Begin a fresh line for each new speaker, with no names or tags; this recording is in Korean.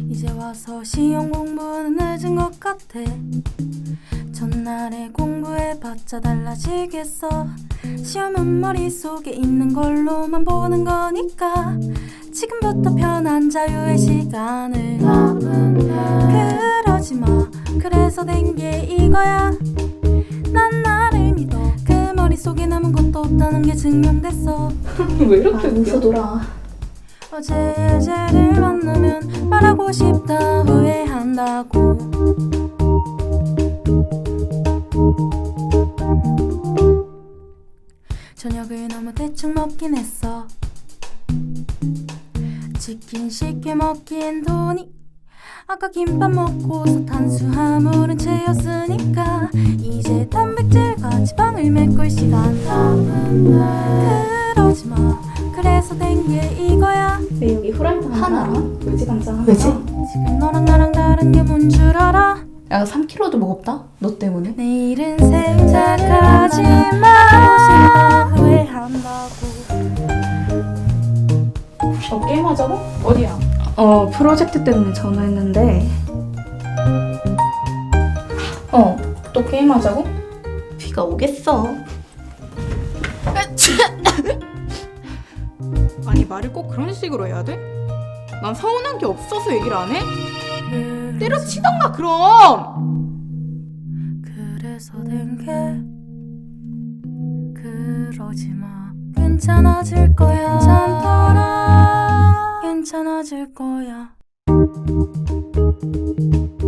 이제 와서 시험 공부는 늦은 것 같아. 전날에 공부해봤자 달라지겠어. 시험은 머릿속에 있는 걸로만 보는 거니까 지금부터 편한 자유의 시간을. 그러지마. 그래서 된 게 이거야. 난 나를 믿어. 그 머릿속에 남은 것도 없다는 게 증명됐어.
왜 이렇게
웃어 놀아.
어제 예제를 만나면 말하고 싶다 후회한다고. 저녁을 너무 대충 먹긴 했어. 치킨 쉽게 먹기엔 돈이 아까 김밥 먹고서 탄수화물은 채웠으니까 이제 단백질과 지방을 메꿀 시간. 그러지마. 그래서 된 게 이거야.
왜 여기 후라이팬
하나?
외지간장
왜지?
지금 너랑 나랑 다른 게 뭔 줄 알아?
야 3kg도 무겁다? 너 때문에?
내일은 생각하지마. 후회한다고.
게임하자고? 어디야?
프로젝트 때문에 전화했는데
또 게임하자고?
비가 오겠어.
아니 말을 꼭 그런 식으로 해야 돼? 난 서운한 게 없어서 얘기를 안 해? 때려치던가 그럼!
그래서 된 게 그러지마. 괜찮아질 거야. 괜찮더라. 괜찮아질 거야.